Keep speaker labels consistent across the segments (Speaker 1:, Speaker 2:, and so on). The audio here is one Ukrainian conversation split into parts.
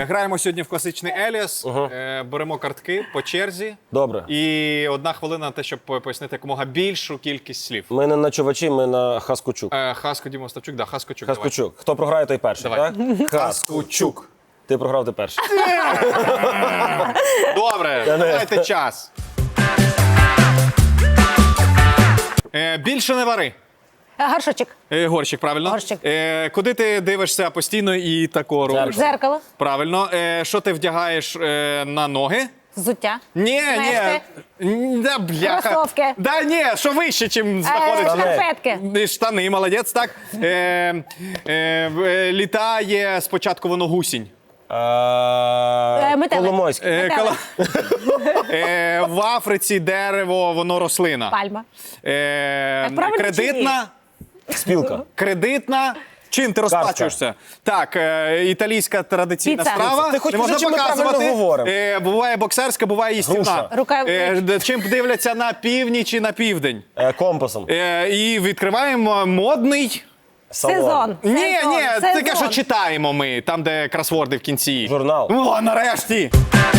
Speaker 1: Граємо сьогодні в класичний Еліас. Беремо картки по черзі.
Speaker 2: Добре.
Speaker 1: І 1 хвилина на те, щоб пояснити якомога більшу кількість слів.
Speaker 2: Ми не на чувачі, ми на Хаскучук.
Speaker 1: Хаско Діма Ставчук, да, Хаскочук.
Speaker 2: Хаскучук. Хто програє, той перший,
Speaker 1: Давай.
Speaker 2: так?
Speaker 1: Хаскочук.
Speaker 2: Ти програв, ти перший.
Speaker 1: Добре, дайте час. Більше не вари.
Speaker 3: Горшочок.
Speaker 1: Горщик, правильно.
Speaker 3: Горщик.
Speaker 1: Куди ти дивишся постійно і тако робиш?
Speaker 3: Дзеркало.
Speaker 1: Правильно. Що ти вдягаєш на ноги?
Speaker 3: Взуття.
Speaker 1: Ні,
Speaker 3: Мешти.
Speaker 1: ні. Да, бляха.
Speaker 3: Кросовки.
Speaker 1: Да, ні, що вище, чим знаходиться.
Speaker 3: Шкарпетки.
Speaker 1: Штани, молодець, так. Літає спочатку воно гусінь.
Speaker 3: Метелик.
Speaker 2: Коломойськ.
Speaker 1: В Африці дерево, воно рослина.
Speaker 3: Пальма. правильно
Speaker 1: Кредитна.
Speaker 2: Спілка.
Speaker 1: Кредитна. Чим ти розплачуєшся? Так, італійська традиційна
Speaker 3: Піца.
Speaker 1: страва.
Speaker 2: Ти хоч
Speaker 1: Не можна
Speaker 2: кажи, чи ми правильно
Speaker 1: показувати.
Speaker 2: говоримо?
Speaker 1: Буває боксерська, буває їстівна.
Speaker 3: Груша.
Speaker 1: Чим дивляться на північ і на південь.
Speaker 2: Компасом.
Speaker 1: І відкриваємо модний...
Speaker 3: Сезон.
Speaker 1: Ні,
Speaker 3: Сезон.
Speaker 1: таке, що читаємо ми, там, де кросворди в кінці.
Speaker 2: Журнал.
Speaker 1: О, нарешті!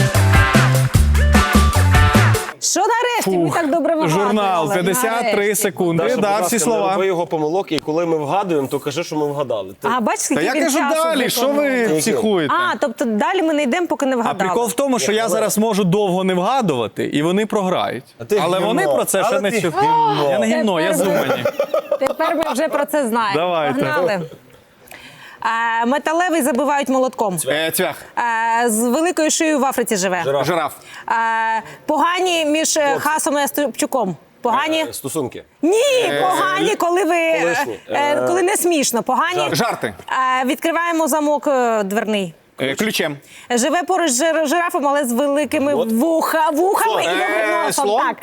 Speaker 3: Що нарешті? Ми так добре вигадували.
Speaker 1: Журнал, 53
Speaker 3: Нарешті.
Speaker 1: секунди,
Speaker 2: Даша, будь
Speaker 1: да,
Speaker 2: ласка,
Speaker 1: всі
Speaker 2: не
Speaker 1: слова.
Speaker 2: роби його помилок, і коли ми вгадуємо, то кажи, що ми вгадали.
Speaker 3: А бачиш,
Speaker 1: Та
Speaker 3: скільки
Speaker 1: я
Speaker 3: він
Speaker 1: кажу
Speaker 3: часу
Speaker 1: далі, що ви
Speaker 3: виконував?
Speaker 1: психуєте?
Speaker 3: А, тобто далі ми не йдемо, поки не
Speaker 1: А
Speaker 3: вгадали.
Speaker 1: прикол в тому, що я зараз можу довго не вгадувати, і вони програють.
Speaker 2: ти
Speaker 1: Але
Speaker 2: гімно.
Speaker 1: вони про це ще
Speaker 2: Але
Speaker 1: не
Speaker 2: ти
Speaker 1: чули.
Speaker 2: гімно.
Speaker 1: Я не гімно, я
Speaker 3: Тепер ми-
Speaker 1: зумані.
Speaker 3: Тепер ми вже про це знаємо.
Speaker 1: Давайте.
Speaker 3: Погнали. Металевий забивають молотком.
Speaker 1: Цвях.
Speaker 3: З великою шиєю в Африці живе.
Speaker 1: Жираф.
Speaker 3: Погані між Хасом і Степчуком. Погані?
Speaker 2: Стосунки.
Speaker 3: Ні, погані, коли ви
Speaker 2: Колишні.
Speaker 3: коли не смішно. Погані.
Speaker 1: Жарти.
Speaker 3: Відкриваємо замок дверний.
Speaker 1: Ключем.
Speaker 3: Живе поруч з жирафом, але з великими вухами і довгим носом.
Speaker 1: слон?
Speaker 3: Так.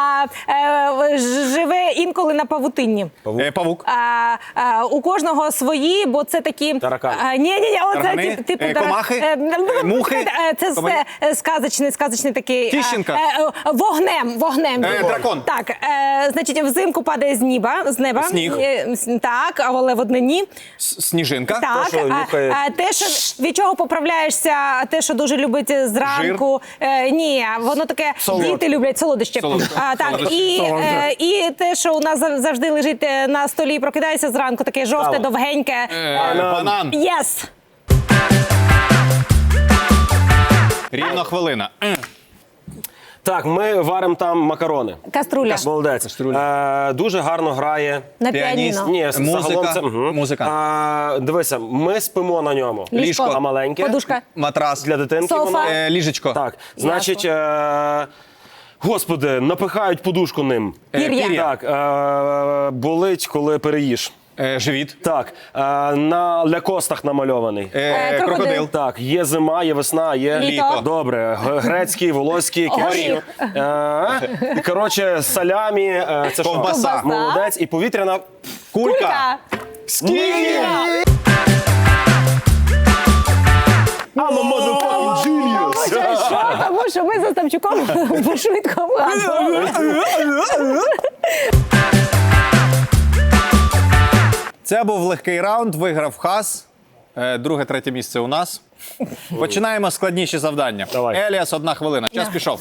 Speaker 3: Живе інколи на павутинні.
Speaker 1: Павук.
Speaker 3: У кожного свої, бо це такі...
Speaker 2: Таракани.
Speaker 3: Ні,
Speaker 1: Таргани?
Speaker 3: оце типу...
Speaker 1: Комахи? Мухи?
Speaker 3: Це сказочний такий...
Speaker 1: Тіщенка?
Speaker 3: Вогнем.
Speaker 1: Дракон?
Speaker 3: Так, значить, взимку падає з неба.
Speaker 1: Сніг?
Speaker 3: Так, але в однині.
Speaker 1: Сніжинка.
Speaker 3: Так,
Speaker 2: що нюхає.
Speaker 3: те, що від чого поправляєшся, те, що дуже любить зранку. Ні, воно таке, діти люблять солодощі. Так, і те, що у нас завжди лежить на столі, прокидається зранку, таке жовте, довгеньке.
Speaker 1: Банан.
Speaker 3: Єс!
Speaker 1: Рівно хвилина.
Speaker 2: Так, ми варимо там макарони.
Speaker 3: Каструля.
Speaker 2: Молодець. Дуже гарно грає.
Speaker 3: На
Speaker 1: Піаніст.
Speaker 3: піаніно.
Speaker 2: Ні, загалом це...
Speaker 1: Музика.
Speaker 2: Дивися, ми спимо на ньому.
Speaker 3: Ліжко.
Speaker 2: А маленьке?
Speaker 3: Подушка.
Speaker 1: Матрас.
Speaker 2: Для дитинки
Speaker 3: Софа.
Speaker 2: воно.
Speaker 1: Ліжечко.
Speaker 2: Так, значить, господи, напихають подушку ним.
Speaker 3: Пір'я.
Speaker 2: Так, болить, коли переїш.
Speaker 1: Живіт.
Speaker 2: Так, на лякостах намальований.
Speaker 1: Крокодил.
Speaker 2: Так, є зима, є весна, є
Speaker 3: Літо.
Speaker 2: Добре, грецький, волоський, кефір. Коротше, салямі, це що?
Speaker 1: Ковбаса.
Speaker 2: Молодець. І повітряна
Speaker 1: Кулька.
Speaker 2: Скільки? I'm a motherfucking genius.
Speaker 3: Тому що ми за Ставчуком швидко вгадували.
Speaker 1: Це був легкий раунд, виграв Хас. Друге, третє місце у нас. Починаємо складніші завдання.
Speaker 2: Давай.
Speaker 1: Еліас, 1 хвилина. Час пішов.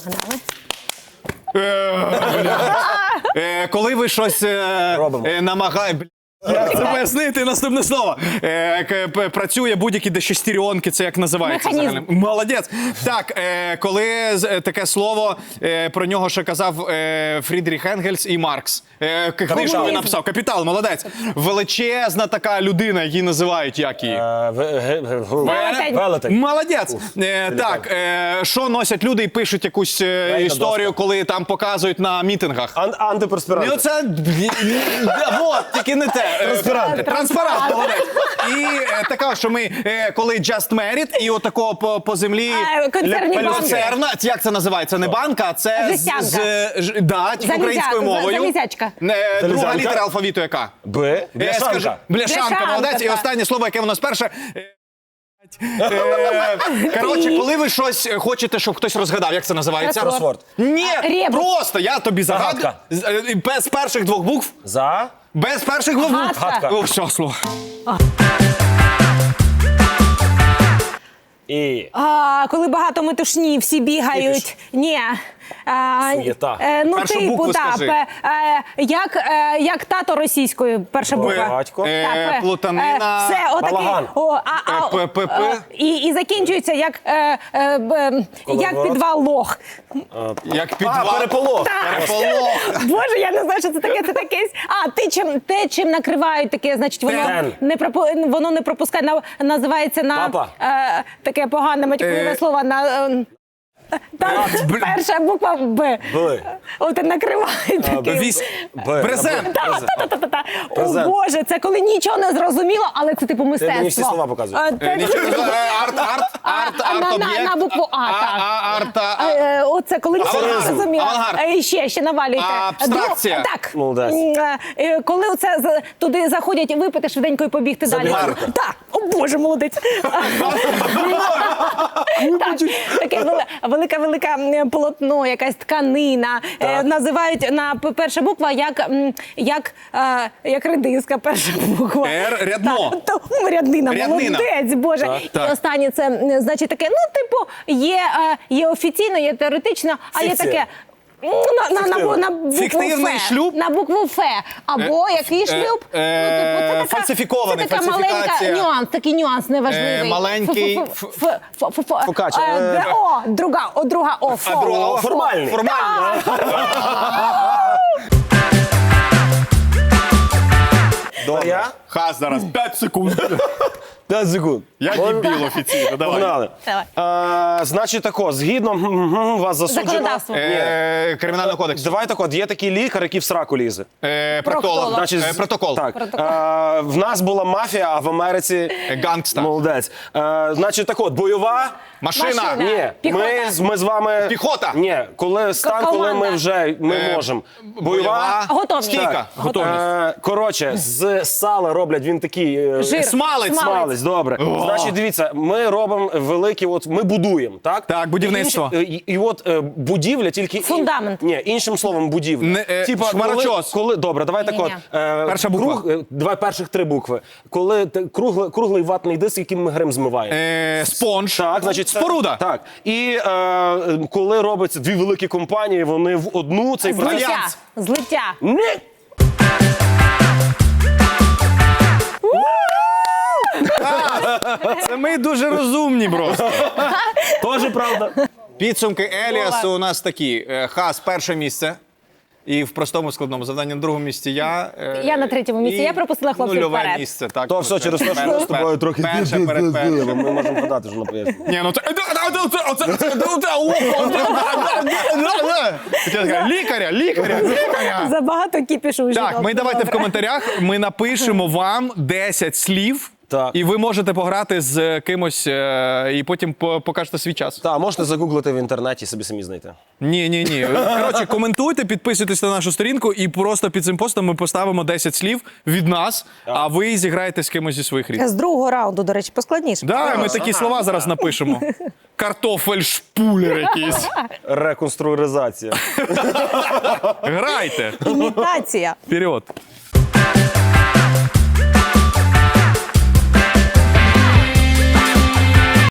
Speaker 1: Коли ви щось намагаєте... Як це пояснити? Наступне слово. Працює будь-які дешестеріонки, це як називається?
Speaker 3: Механізм.
Speaker 1: Взагалі? Молодець. Так, коли таке слово, про нього ще казав Фрідріх Енгельс і Маркс. Книжку він написав. Капітал, молодець. Величезна така людина, її називають, як її?
Speaker 2: Велетень.
Speaker 1: Молодець. Так, що носять люди і пишуть якусь історію, коли там показують на мітингах?
Speaker 2: Антиперспірант.
Speaker 1: Ну це, от, тільки не те. Транспарант, молодець. І така, що ми, коли just married, і отакого по землі...
Speaker 3: Концерні банки.
Speaker 1: Люцерна, як це називається? Не банка, а це
Speaker 3: Жестянка.
Speaker 1: Да, тільки українською мовою.
Speaker 3: Залізячка.
Speaker 1: Друга
Speaker 2: Залізянка.
Speaker 1: літера алфавіту яка?
Speaker 2: Б.
Speaker 1: Бляшанка. Бляшанка, молодець. І
Speaker 3: так.
Speaker 1: останнє слово, яке у нас перше. Коротше, коли ви щось хочете, щоб хтось розгадав, як це називається?
Speaker 2: Кросворд.
Speaker 1: Ні,
Speaker 3: Ребус.
Speaker 1: просто я тобі загадую.
Speaker 2: Загадка.
Speaker 1: Без перших 2 букв.
Speaker 2: За.
Speaker 1: Без перших 2 букв.
Speaker 3: Гадка.
Speaker 1: О, все, слово.
Speaker 3: Коли багато метушні, всі бігають. Ні.
Speaker 2: Суєта.
Speaker 3: Ну,
Speaker 1: Першу
Speaker 3: типу,
Speaker 1: букву
Speaker 3: так.
Speaker 1: скажи.
Speaker 3: Як тато російською, перша буква.
Speaker 2: Батько.
Speaker 3: Так,
Speaker 1: Плутанина.
Speaker 3: Все, отакий.
Speaker 2: Балаган.
Speaker 3: І закінчується як підвал лох.
Speaker 1: Як підвал.
Speaker 2: Переполох.
Speaker 1: Переполох.
Speaker 3: Боже, я не знаю, що це таке. Це таке. Те, чим накривають таке, значить, воно не пропускає. Називається
Speaker 2: Папа.
Speaker 3: таке погане матюкове слово перша буква Б.
Speaker 2: Б.
Speaker 3: От накривають таке.
Speaker 1: Брезент.
Speaker 3: О Боже, це коли нічого не зрозуміло, але це типу мистецтво.
Speaker 2: мені всі слова показують.
Speaker 1: Арт-об'єкт.
Speaker 3: На букву А, так.
Speaker 1: Арта.
Speaker 3: Оце коли нічого не
Speaker 1: Авангард.
Speaker 3: зрозуміло.
Speaker 1: Авангард.
Speaker 3: Ще навалюйте.
Speaker 1: Абстракція.
Speaker 3: Так.
Speaker 2: Молодець.
Speaker 3: Коли оце туди заходять випити швиденько і побігти далі.
Speaker 2: Забігарка.
Speaker 3: Так. О Боже, молодець. Так. Таке велике полотно, якась тканина. Називають перша буква як редиска, перша буква.
Speaker 1: Р, рядно.
Speaker 3: Ряднина,
Speaker 1: Ряднина.
Speaker 3: молодець, Боже.
Speaker 1: Так.
Speaker 3: І останнє це, значить, таке, ну, типу, є офіційно, є теоретично, а є
Speaker 2: Фікція.
Speaker 3: таке... На букву
Speaker 1: Фіктивний
Speaker 3: Ф.
Speaker 1: шлюб?
Speaker 3: На букву Ф. Або який шлюб?
Speaker 1: фальсифікований,
Speaker 3: Це така маленька
Speaker 1: фальсифікація.
Speaker 3: такий нюанс неважливий.
Speaker 1: Маленький
Speaker 2: Фокач.
Speaker 3: Друга О.
Speaker 2: Формальний. Я?
Speaker 1: Хас зараз 5 секунд.
Speaker 2: 5 секунд.
Speaker 1: Я дебіл офіційно, давай.
Speaker 2: Погнали.
Speaker 3: Давай.
Speaker 2: Значить тако, згідно вас засуджено.
Speaker 3: Законодавство.
Speaker 1: Кримінального кодексу.
Speaker 2: Давай так от, є такий лікар, який в сраку лізе.
Speaker 1: Проктолог.
Speaker 2: Значить,
Speaker 1: Протокол.
Speaker 2: Так. В нас була мафія, а в Америці...
Speaker 1: Гангста.
Speaker 2: Молодець. Значить так от, бойова...
Speaker 1: Машина.
Speaker 2: Ні,
Speaker 3: Піхота.
Speaker 2: ми з вами...
Speaker 1: Піхота.
Speaker 2: Ні, коли стан, коли ми вже можемо. Бойова...
Speaker 3: Готовність.
Speaker 1: Стійка. Готовність.
Speaker 2: Коротше, з сала роблять, він такий...
Speaker 3: Жир.
Speaker 1: Смалець.
Speaker 2: Смалець, добре. Значить, дивіться, ми робимо великі, от ми будуємо, так?
Speaker 1: Так, будівництво.
Speaker 2: І от будівля тільки...
Speaker 3: Фундамент.
Speaker 2: Ні, іншим словом, будівля.
Speaker 1: шмарочос.
Speaker 2: Коли, добре, давай так от.
Speaker 1: Перша буква.
Speaker 2: Давай перших 3 букви. Коли круглий ватний диск, яким ми грим змиваємо.
Speaker 1: Спонж.
Speaker 2: Так, значить,
Speaker 1: Споруда.
Speaker 2: Так. І коли робиться 2 великі компанії, вони в одну цей процес...
Speaker 3: Злиття.
Speaker 2: Ні!
Speaker 1: Це ми дуже розумні, просто.
Speaker 2: Тоже правда.
Speaker 1: Підсумки Еліасу у нас такі. Хас перше місце. І в простому складному завданні на другому місці я.
Speaker 3: Я на 3-му місці. Я пропустила хлопців
Speaker 1: нульове
Speaker 3: вперед.
Speaker 1: місце. Так,
Speaker 2: То все через те, що ми з тобою трохи
Speaker 1: перше перед першим.
Speaker 2: ми можемо подати вже на пояснення.
Speaker 1: Ні, ну це лікаря.
Speaker 3: Забагато кіпішу вже.
Speaker 1: Так, ми давайте в коментарях, ми напишемо вам 10 слів,
Speaker 2: Так.
Speaker 1: і ви можете пограти з кимось, і потім покажете свій час.
Speaker 2: Так, можете загуглити в інтернеті, собі самі знайти.
Speaker 1: Ні. Коротше, коментуйте, підписуйтесь на нашу сторінку, і просто під цим постом ми поставимо 10 слів від нас, а ви зіграєте з кимось зі своїх рідних.
Speaker 3: З другого раунду, до речі, поскладніше.
Speaker 1: Да, ми такі слова зараз напишемо. Картофель-шпулер якийсь.
Speaker 2: Реконструктуризація.
Speaker 1: Грайте.
Speaker 3: Імітація.
Speaker 1: Вперед.